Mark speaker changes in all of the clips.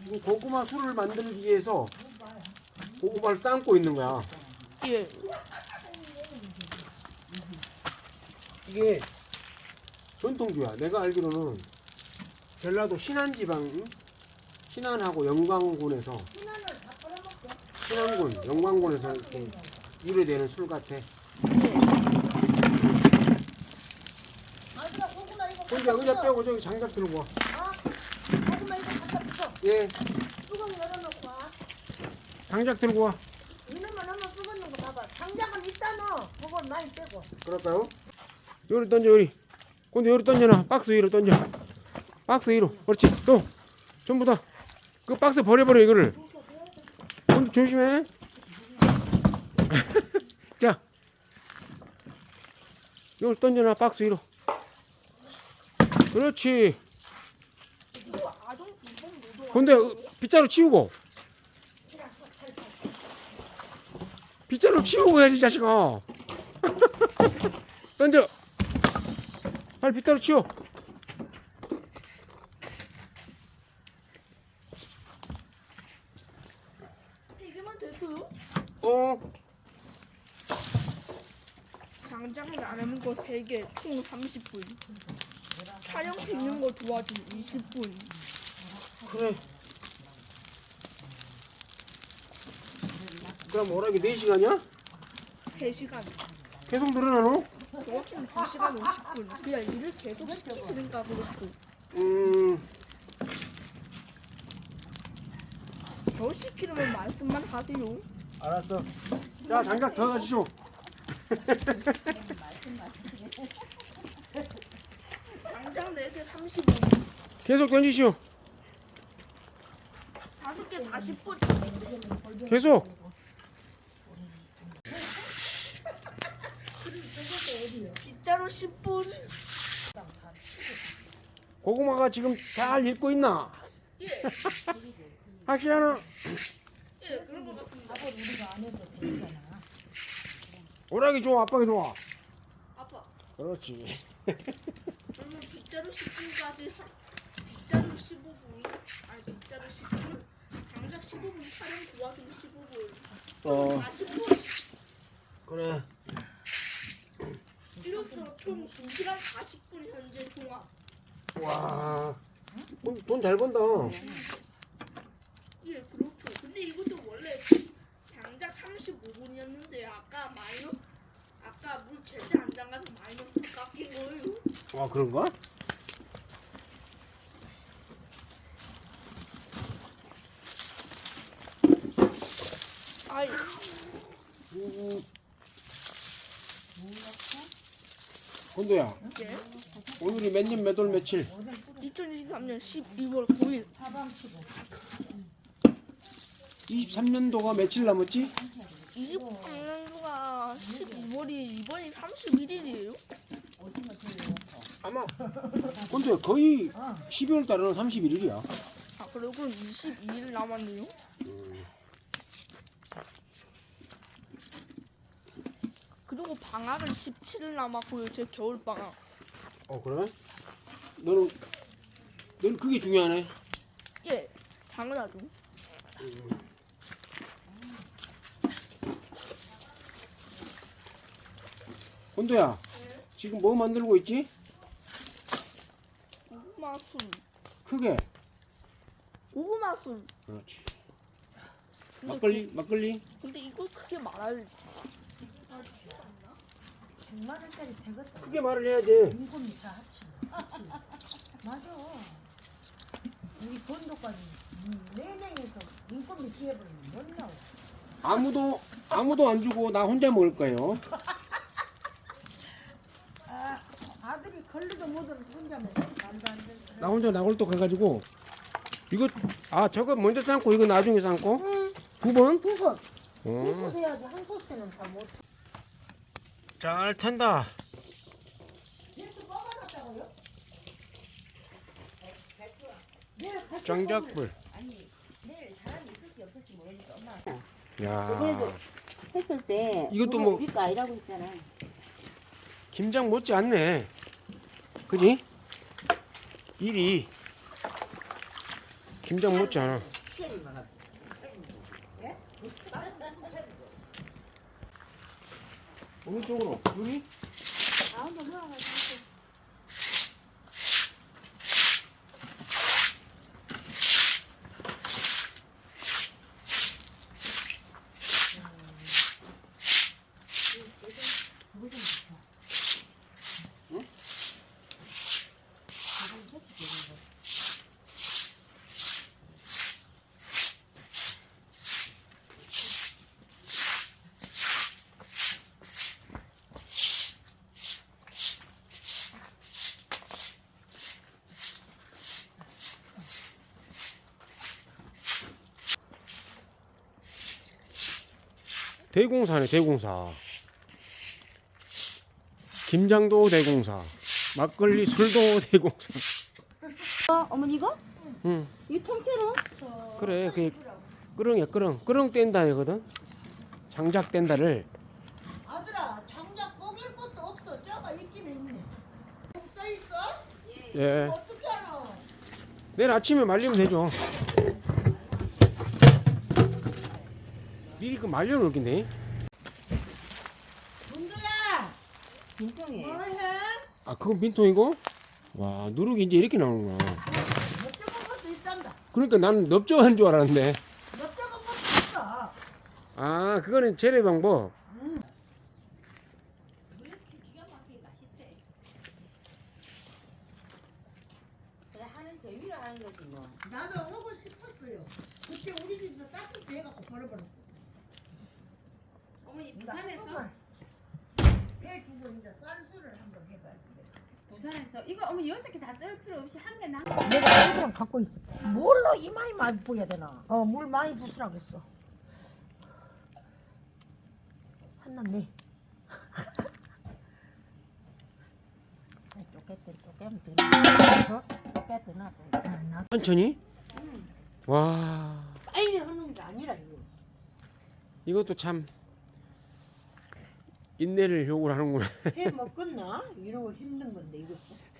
Speaker 1: 지금 고구마 술을 만들기 위해서 고구마를 삶고 있는 거야.
Speaker 2: 예.
Speaker 1: 이게 전통주야. 내가 알기로는 전라도 신안지방, 신안하고 영광군에서 신안군, 영광군에서 이렇게 유래되는 술 같아. 혼자 의자 빼고 저기 장작 들고 와.
Speaker 3: 고구마 이거 갖다 붙여.
Speaker 1: 예,
Speaker 3: 뚜껑 열어놓고 와.
Speaker 1: 장작 들고 와.
Speaker 3: 이놈만 한번 썩었는 거 봐봐. 장작은 있다 너. 그건 많이 빼고.
Speaker 1: 그럴까요? 요리 던져, 요리. 근데 요리 던져놔. 박스 위로 던져. 박스 위로. 그렇지. 또 전부 다 그 박스 버려버려 이거를. 근데 조심해. 자, 요리 던져놔. 박스 위로. 그렇지. 근데 빗자루 치우고. 빗자루 치우고 해야지 자식아. 던져. 빨리 빗자루 치워.
Speaker 2: 이게만 돼도요?
Speaker 1: 어.
Speaker 2: 장작을 나누는 거 3개 총 30분. 촬영 찍는 거 도와준 20분.
Speaker 1: 그래. 그럼 오락이 4시간이야?
Speaker 2: 3시간.
Speaker 1: 계속 늘어나노?
Speaker 2: 저같은 2시간 50분. 그냥 일을 계속 시키시는가 그렇고. 더 시키려면 말씀만 하세요.
Speaker 1: 알았어. 자, 장작 더 가시오.
Speaker 2: 장작 4개 30분.
Speaker 1: 계속 던지시오.
Speaker 2: 5개 40분.
Speaker 1: 계속.
Speaker 2: 빗자루 10분.
Speaker 1: 고구마가 지금 잘 익고 있나?
Speaker 2: 예.
Speaker 1: 확실하나?
Speaker 2: 예, 그런 것 같습니다.
Speaker 1: 오락이 좋아, 아빠가 좋아?
Speaker 2: 아빠,
Speaker 1: 그렇지.
Speaker 2: 그러면 빗자루 10분까지 빗자루 15분, 아니 빗자루 10분, 장작 15분, 촬영 도와주면 15분, 40분.
Speaker 1: 그래.
Speaker 2: 이로써 총 2시간 40분 현재 종합.
Speaker 1: 와. 돈 잘 번다.
Speaker 2: 예, 그렇죠. 근데 이것도 원래 장작 35분이었는데 아까 물 제때 안 담가서 마이너스 깎인 거예요.
Speaker 1: 아, 그런가?
Speaker 2: 아이,
Speaker 1: 건도야,
Speaker 2: 예.
Speaker 1: 오늘이 몇 년 몇 월 며칠?
Speaker 2: 2023년 12월 9일.
Speaker 1: 23년도가 며칠 남았지?
Speaker 2: 23년도가 12월이 이번이 31일이에요?
Speaker 1: 아마 근데 거의 12월 달에는 31일이야.
Speaker 2: 아, 그리고 그럼 22일 남았네요? 그리고 방학은 17일 남았고요. 제 겨울 방학.
Speaker 1: 그래? 너는 그게 중요하네.
Speaker 2: 예, 당연하죠.
Speaker 1: 건도야, 지금 뭐 만들고 있지?
Speaker 2: 고구마 술.
Speaker 1: 크게.
Speaker 2: 고구마 술.
Speaker 1: 그렇지.
Speaker 2: 근데
Speaker 1: 막걸리?
Speaker 2: 근데 이걸 크게 말할
Speaker 3: 100만 원짜리 되겠다.
Speaker 1: 크게 말을 해야지.
Speaker 3: 인건비 다 합치면. 맞아. 우리 건도까지 내내에서 인건비 지해버리면 못 나와.
Speaker 1: 아무도 안 주고 나 혼자 먹을 거예요.
Speaker 3: 아들이 걸리도 못하는 혼자 먹어. 말도 안 돼.
Speaker 1: 나 혼자 나골떡 해가지고 이거 저거 먼저 삶고 이거 나중에 삶고
Speaker 3: 응.
Speaker 1: 9번?
Speaker 3: 두 솥. 두
Speaker 1: 어.
Speaker 3: 솥 해야지 한 솥에는 다 못.
Speaker 1: 잘 탄다. 장작불. 야,
Speaker 4: 했을 때
Speaker 1: 이것도 뭐-
Speaker 4: 우리 거 아니라고 했잖아.
Speaker 1: 김장 못지 않네. 그지? 일이 김장 못지 않아. 어느 쪽으로? 여기? 대공사네, 대공사. 김장도 대공사. 막걸리 술도 대공사.
Speaker 4: 어머니 이거?
Speaker 1: 응.
Speaker 4: 이 통째로?
Speaker 1: 그래, 그게 끄렁이야, 끄렁. 끄렁 뗀다거든. 장작 뗀다를.
Speaker 3: 아들아 장작 뽀갤 것도 없어. 저가 있긴 있네. 여기 써 있어?
Speaker 1: 예.
Speaker 3: 어떻게 알아?
Speaker 1: 내일 아침에 말리면 되죠. 미리 그 말려놓겠네.
Speaker 3: 문도야
Speaker 4: 빈통이에요.
Speaker 3: 뭐해?
Speaker 1: 아, 그건 빈통이고? 와, 누룩이 이제 이렇게 나오는구나.
Speaker 3: 넓적한 것도 있단다.
Speaker 1: 그러니까 나는 넓적한 줄 알았는데.
Speaker 3: 넓적한 것도 있어.
Speaker 1: 아, 그거는 재래 방법.
Speaker 4: 그냥 하는 재미로 하는 거지 뭐.
Speaker 3: 나도 하고 싶었어요. 그때 우리 집에서 따뜻해 해갖고 버려버렸어.
Speaker 2: 어머니 부산에서
Speaker 3: 배 주고 이제 쌀수를 한번 해봐야 돼.
Speaker 4: 부산에서 이거 어머니 6개 다 쓸 필요 없이 한 개 나.
Speaker 3: 내가 그냥 갖고 있어. 뭘로 이 많이 많이 부어야 되나? 물 많이 부으라고 했어. 한났네. 쪼개면 되나? 쪼개드나?
Speaker 1: 천천히? 와,
Speaker 3: 빨리 하는 게 아니라 이거.
Speaker 1: 이것도 참 인내를 요구를 하는구나.
Speaker 3: 해 먹겠나? 이러고 힘든 건데 이거.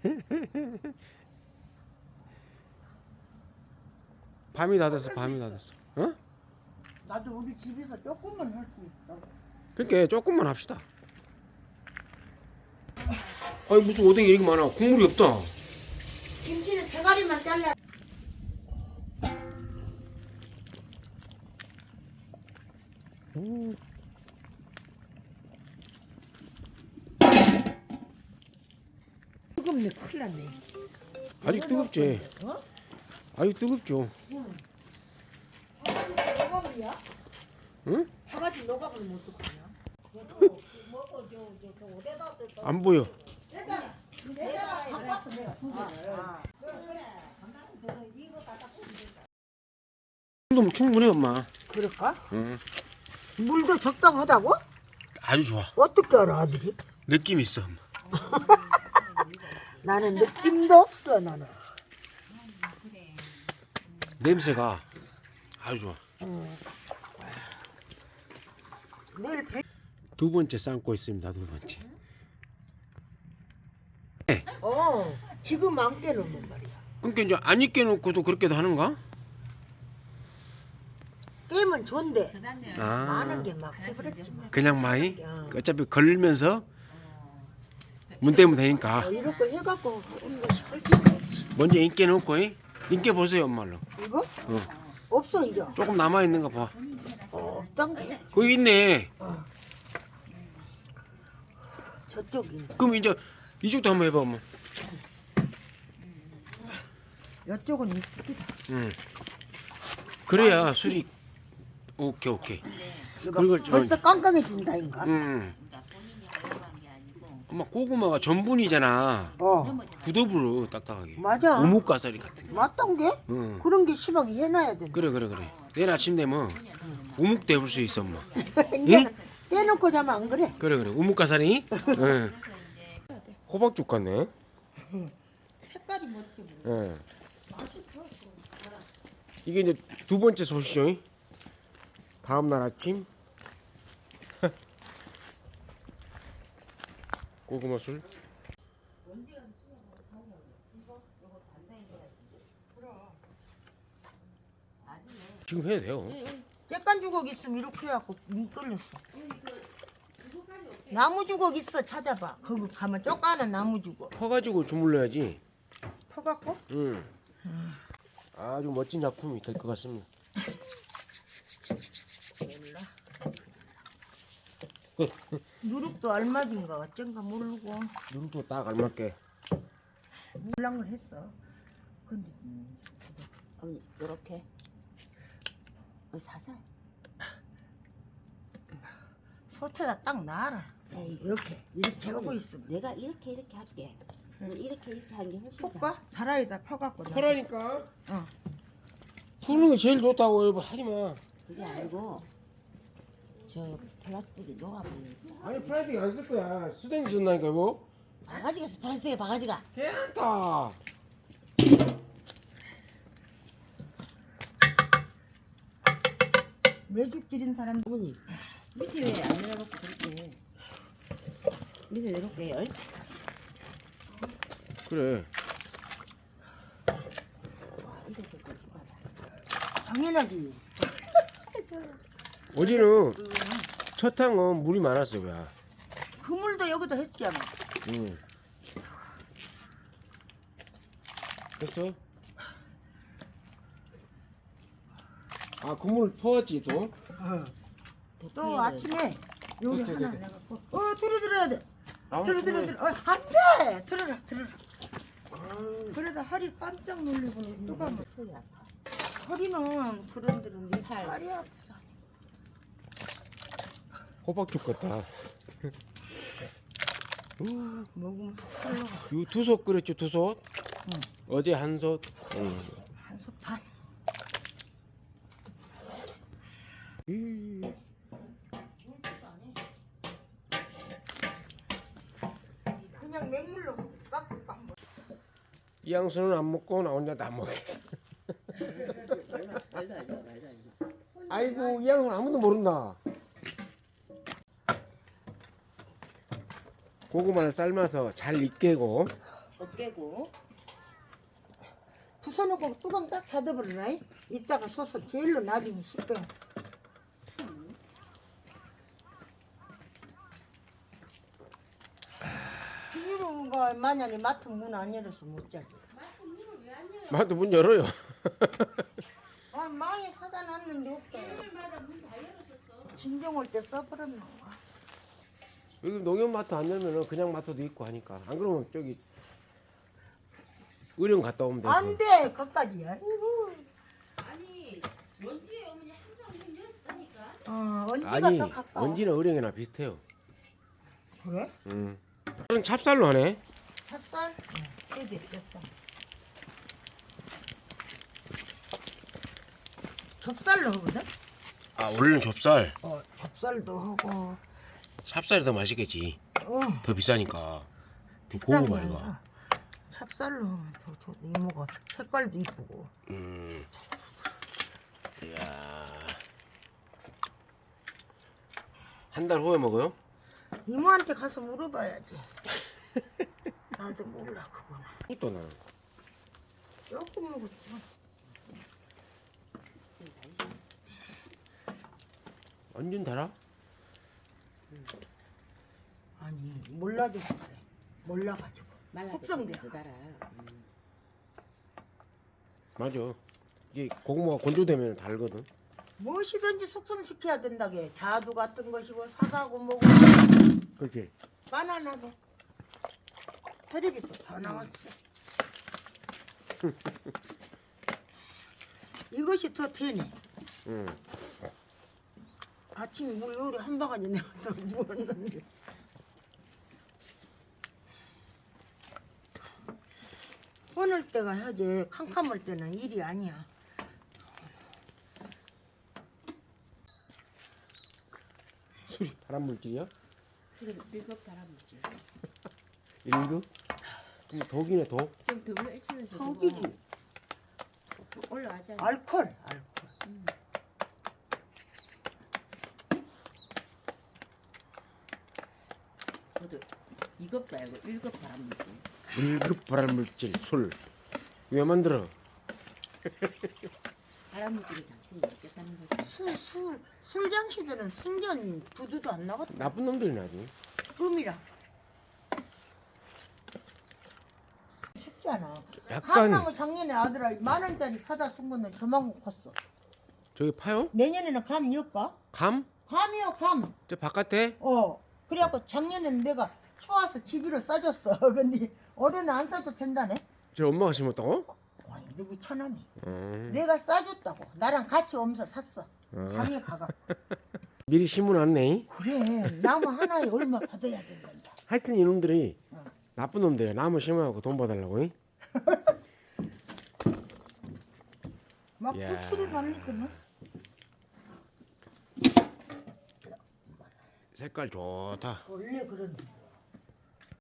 Speaker 1: 밤이 다 됐어, 밤이 다 됐어. 어?
Speaker 3: 나도 우리 집에서 조금만 할 수 있어.
Speaker 1: 그러니까 조금만 합시다. 아니, 무슨 오뎅이 이렇게 많아. 국물이 없다.
Speaker 3: 김치는 대가리만 잘라. 뜨겁네, 큰일 났네.
Speaker 1: 아직 뜨겁지.
Speaker 3: 어?
Speaker 1: 아직 뜨겁죠.
Speaker 3: 녹아버려?
Speaker 1: 응?
Speaker 3: 바가지 녹아버리면 어떡하냐? 먹어, 저 어디다 쓸까?
Speaker 1: 안 보여.
Speaker 3: 내가 갖고 왔어, 내가 두 개. 그래, 이거 다 닦고 된다.
Speaker 1: 정도면 충분해, 엄마.
Speaker 3: 그럴까?
Speaker 1: 응.
Speaker 3: 물도 적당하다고?
Speaker 1: 아주 좋아.
Speaker 3: 어떻게 알아, 아들이?
Speaker 1: 느낌 있어, 엄마.
Speaker 3: 나는 느낌도 없어, 나는.
Speaker 1: 냄새가 아주 좋아.
Speaker 3: 내일 배...
Speaker 1: 두 번째 삶고 있습니다, 두 번째.
Speaker 3: 지금 안 깨놓으면 말이야.
Speaker 1: 그러니까 이제 안 익게 놓고도 그렇게도 하는가?
Speaker 3: 깨면 좋은데
Speaker 1: 아,
Speaker 3: 많은 게 막 해버렸지만.
Speaker 1: 그냥 많이?
Speaker 3: 어.
Speaker 1: 어차피 걸면서 문 떼면 되니까.
Speaker 3: 이렇게 해갖고 하는 것이 훨씬 낫지.
Speaker 1: 먼저 익게 놓고, 익게 보세요, 엄마로.
Speaker 3: 이거?
Speaker 1: 어.
Speaker 3: 없어 이제.
Speaker 1: 조금 남아있는 거 봐.
Speaker 3: 없단 게.
Speaker 1: 거기 있네.
Speaker 3: 저쪽인데.
Speaker 1: 그럼 이제 이쪽도 한번 해봐, 엄마.
Speaker 3: 이쪽은 이쁘다.
Speaker 1: 응. 그래야 술이 오케이, 오케이.
Speaker 3: 이거
Speaker 1: 그걸 좀-
Speaker 3: 벌써 깡깡해진다인가?
Speaker 1: 응. 엄마 고구마가 전분이잖아. 부드부러 딱딱하게.
Speaker 3: 맞아.
Speaker 1: 우뭇가사리 같은 거.
Speaker 3: 맞던 게?
Speaker 1: 응.
Speaker 3: 그런 게 시방에 해놔야 된다.
Speaker 1: 그래. 내일 아침 되면 우묵 데울 수 있어, 엄마.
Speaker 3: 이제 떼놓고 자면 안 그래?
Speaker 1: 그래. 우묵가사리. 응. 호박죽 같네.
Speaker 3: 색깔이 멋지. 뭐.
Speaker 1: 응. 이게 이제 두 번째 소시죠. 다음 날 아침 고구마 술.
Speaker 4: 나중에
Speaker 1: 지금 해도 돼요.
Speaker 3: 쬐깐 주걱 있으면 이렇게 해갖고 끌렸어. 나무 주걱 있어 찾아봐. 거기 가면 쪼까는 나무 주걱.
Speaker 1: 퍼가지고 주물러야지.
Speaker 3: 퍼갖고
Speaker 1: 응. 아주 멋진 작품이 될 것 같습니다.
Speaker 3: 몰라. 누룩도 얼마인가 어쩐가 모르고
Speaker 1: 누룩도 딱 알맞게.
Speaker 3: 몰란 걸 했어. 근데
Speaker 4: 어머니 요렇게 사서
Speaker 3: 소태다 딱 놔라.
Speaker 4: 에이,
Speaker 3: 이렇게 하고 있으면
Speaker 4: 내가 이렇게 할게. 이렇게 하는 게 훨씬
Speaker 3: 볶아? 다라이다 펴갖고 놔.
Speaker 1: 퍼라니까.
Speaker 3: 어.
Speaker 1: 푸는 게 제일 좋다고 여보 하지 마.
Speaker 4: 그게 아니고 저 플라스틱이 녹아버리니까
Speaker 1: 아니 플라스틱 안 쓸 거야. 수댕이 쓴다니까 여보.
Speaker 4: 바가지가 있어. 플라스틱에 바가지가
Speaker 1: 괜찮다.
Speaker 3: 매주 기린 사람
Speaker 4: 어머니 밑에 왜 안 내려놓고 그렇게 밑에 내놓을게요.
Speaker 1: 그래.
Speaker 4: 이거 좀 줘봐봐.
Speaker 3: 당연하지.
Speaker 1: 어제는 첫 탕은 물이 많았어 왜?
Speaker 3: 그물도 여기다 했잖아.
Speaker 1: 응. 됐어? 아 그물 퍼왔지 또?
Speaker 3: 또 아침에 여기
Speaker 1: 됐어,
Speaker 3: 하나
Speaker 1: 됐어.
Speaker 3: 내갖고 들어야 돼.
Speaker 1: 나무
Speaker 3: 들어.
Speaker 1: 그물.
Speaker 3: 안돼. 들어라. 그러다 허리 깜짝 놀리고 누가 뭐
Speaker 4: 소리 아파.
Speaker 3: 허리는 그런들은 네
Speaker 4: 팔.
Speaker 3: 팔이 아프다.
Speaker 1: 호박 죽겠다.
Speaker 3: 먹으면 살로
Speaker 1: 요 두솥 끓였죠 두솥? 어제 한 솥. 응.
Speaker 3: 한솥 반. 그냥 맹물로 깎을까 한번.
Speaker 1: 이 양수는 안 먹고 나 혼자 다 먹어.
Speaker 4: 말도 안 돼.
Speaker 1: 아이고 이 양수는 아무도 모른다. 고구마를 삶아서 잘 익게고
Speaker 4: 못 깨고
Speaker 3: 부숴놓고 뚜껑 딱 닫아버리라. 이따가 서서 제일로 나중에 씻어야 돼. 비닐로가 만약에 맡은 문 안 열어서 못 자지.
Speaker 1: 마도 문 열어요.
Speaker 3: 아, 많이 사다 놨는데 없다. 진정 올 때 써버렸나 봐.
Speaker 1: 여기 농협마트 안 열면은 그냥 마트도 있고 하니까 안 그러면 저기 의령 갔다 오면 되고.
Speaker 3: 안 돼, 거기까지. 아이고.
Speaker 2: 아니 먼지에 어머니 항상 문 열었다니까.
Speaker 3: 언지가
Speaker 1: 아니
Speaker 3: 더 가까워.
Speaker 1: 언지는 의령이나 비슷해요.
Speaker 3: 그래?
Speaker 1: 응. 그럼 찹쌀로 하네.
Speaker 3: 찹쌀? 세개 됐다. 좁쌀로 하거든?
Speaker 1: 아 원래는 좁쌀.
Speaker 3: 좁쌀도 하고.
Speaker 1: 찹쌀이 더 맛있겠지.
Speaker 3: 어,
Speaker 1: 더 비싸니까.
Speaker 3: 비싼 게
Speaker 1: 고구마 이거.
Speaker 3: 아니라 찹쌀로 하면 더 좋. 이모가 색깔도 이쁘고.
Speaker 1: 이야. 한 달 후에 먹어요?
Speaker 3: 이모한테 가서 물어봐야지. 나도 몰라 그거는.
Speaker 1: 또 나.
Speaker 3: 조금 먹었지.
Speaker 1: 완전 달아?
Speaker 3: 아니 몰라줘서 그래. 몰라가지고. 숙성돼.
Speaker 4: 달아.
Speaker 1: 맞아. 이게 고구마가 건조되면 달거든.
Speaker 3: 무엇이든지 숙성시켜야 된다게. 자두 같은 것이고 사과고 뭐고
Speaker 1: 그렇지.
Speaker 3: 바나나도 텔레비서 다 나왔어. 이것이 더 되네.
Speaker 1: 응.
Speaker 3: 아침에 물 요리 한 바가지 내가 부었는데. 꺼낼 때가 해야지. 캄캄할 때는 일이 아니야.
Speaker 1: 술이 발암 물질이야?
Speaker 4: 그래 밀급 달아먹지.
Speaker 1: 1급? 그럼 독이네 독.
Speaker 4: 좀 WHO
Speaker 3: 턱이지.
Speaker 4: 올라가잖아.
Speaker 3: 알콜.
Speaker 4: 저도 2급도 알고 1급 달아먹지.
Speaker 1: 1급 발암 물질 술. 왜 만들어?
Speaker 4: 바람무지를 당신이 느꼈다는 거지.
Speaker 3: 술장씨들은 생전 부두도 안 나갔다.
Speaker 1: 나쁜 놈들이 나지.
Speaker 3: 흠이라. 쉽지 않아.
Speaker 1: 약간
Speaker 3: 감나무 작년에 아들아 10,000원짜리 사다 쓴 거는 저만큼 컸어.
Speaker 1: 저기 파요?
Speaker 3: 내년에는 감 이럴까?
Speaker 1: 감?
Speaker 3: 감이요 감.
Speaker 1: 저 바깥에?
Speaker 3: 그래갖고 작년에는 내가 추워서 집으로 싸줬어. 근데 올해는 안 싸도 된다네.
Speaker 1: 저 엄마가 심었다고?
Speaker 3: 아니 누구 처남이. 내가 싸줬다고. 나랑 같이 오면서 샀어. 장에 가가.
Speaker 1: 미리 심어놨네.
Speaker 3: 그래 나무 하나에 얼마 받아야 된단다.
Speaker 1: 하여튼 이놈들이 나쁜 놈들이야. 나무 심어갖고 돈 받으려고. 잉?
Speaker 3: 막
Speaker 1: 야.
Speaker 3: 부치를 받니까는.
Speaker 1: 색깔 좋다.
Speaker 3: 원래 그런데.